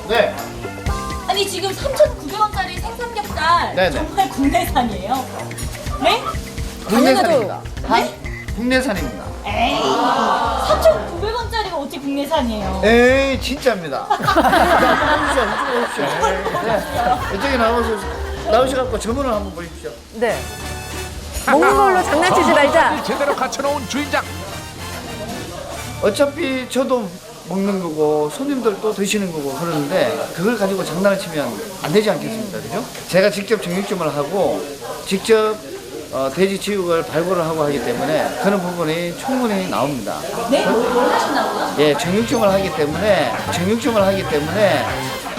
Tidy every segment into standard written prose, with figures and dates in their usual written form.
네. 아니 지금 3,900원짜리 생삼겹살 네네. 정말 국내산이에요? 네? 국내산입니다. 국내산입니다. 에이 3,900원짜리가 어떻게 국내산이에요? 에이 진짜입니다. 오십시오. 네. 이쪽에 나오셔갖고 주문을 한번 보십시오. 네. 먹는 걸로 장난치지 말자. 제대로 갖춰놓은 주인장. 어차피 저도 먹는 거고 손님들도 드시는 거고 그러는데 그걸 가지고 장난을 치면 안 되지 않겠습니까? 그죠? 제가 직접 정육점을 하고 직접 돼지 지육을 발굴을 하고 하기 때문에 그런 부분이 충분히 나옵니다. 네? 뭘 하신다고요? 예, 정육점을 하기 때문에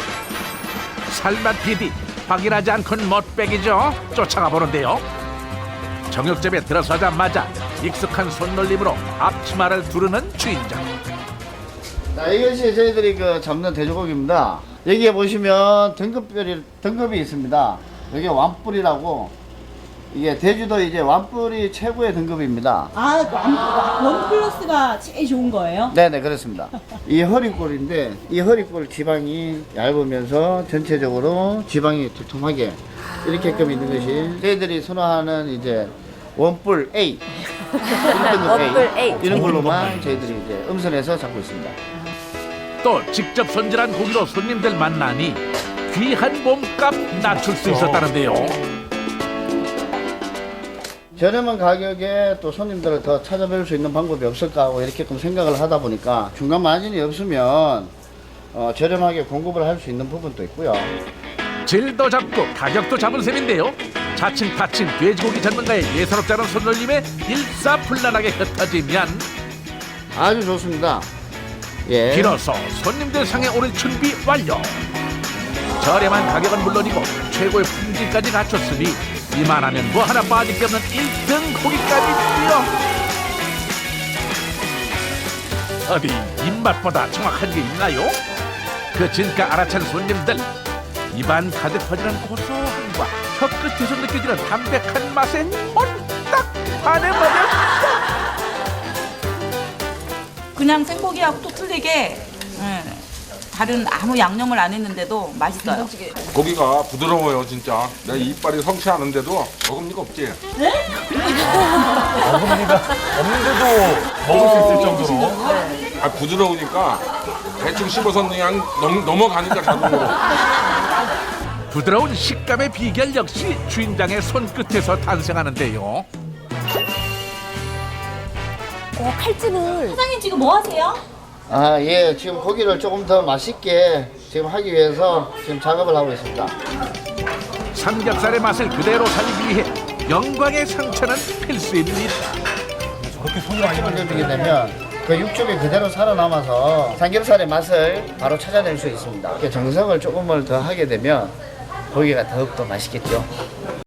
살맛 PD 확인하지 않고는 멋백이죠. 쫓아가 보는데요. 정육점에 들어서자마자 익숙한 손놀림으로 앞치마를 두르는 주인장. 자, 이것이 저희들이 잡는 돼지고기입니다. 여기에 보시면 등급이 있습니다. 여기 완뿔이라고 이게 제주도 이제 완뿔이 최고의 등급입니다. 아, 원 플러스가 제일 좋은 거예요? 네네 그렇습니다. 이 허리꼴인데 이 허리꼴 지방이 얇으면서 전체적으로 지방이 두툼하게 이렇게끔 있는 것이 저희들이 선호하는 이제 원뿔 A 원뿔 A. 이런 걸로만 저희들이 이제 음선해서 잡고 있습니다. 또 직접 손질한 고기로 손님들 만나니 귀한 몸값 낮출 수 있었다는데요. 저렴한 가격에 또 손님들을 더 찾아뵐 수 있는 방법이 없을까 하고 이렇게 생각을 하다 보니까 중간 마진이 없으면 저렴하게 공급을 할 수 있는 부분도 있고요. 질도 잡고 가격도 잡은 셈인데요. 자칭 타칭 돼지고기 전문가의 예사롭지 않은 손놀림에 일사불란하게 흩어지면 아주 좋습니다. 예. 비로소 손님들 상에 오를 준비 완료. 저렴한 가격은 물론이고 최고의 품질까지 갖췄으니 이만하면 뭐 하나 빠질 게 없는 1등 고기값이지요. 어디 입맛보다 정확한 게 있나요? 그 진가 알아챈 손님들, 입안 가득 퍼지는 고소함과 혀끝에서 느껴지는 담백한 맛에 홀딱 반해버렸다. 그냥 생고기하고 또 틀리게 다른 아무 양념을 안 했는데도 맛있어요. 고기가 부드러워요 진짜. 내 이빨이 성취하는데도 어금니가 없지. 없는데도 먹을 수 있을 정도로. 아 부드러우니까 대충 씹어서 그냥 넘어가니까 자동으로. 부드러운 식감의 비결 역시 주인장의 손끝에서 탄생하는데요. 칼집을. 사장님 지금 뭐 하세요? 아, 예. 지금 고기를 조금 더 맛있게 지금 하기 위해서 지금 작업을 하고 있습니다. 삼겹살의 맛을 그대로 살리기 위해 영광의 상처는 필수입니다. 저렇게 손이 많이 육즙을 넣게 되면 그 육즙이 그대로 살아남아서 삼겹살의 맛을 바로 찾아낼 수 있습니다. 이렇게 정성을 조금을 더 하게 되면 고기가 더욱더 맛있겠죠.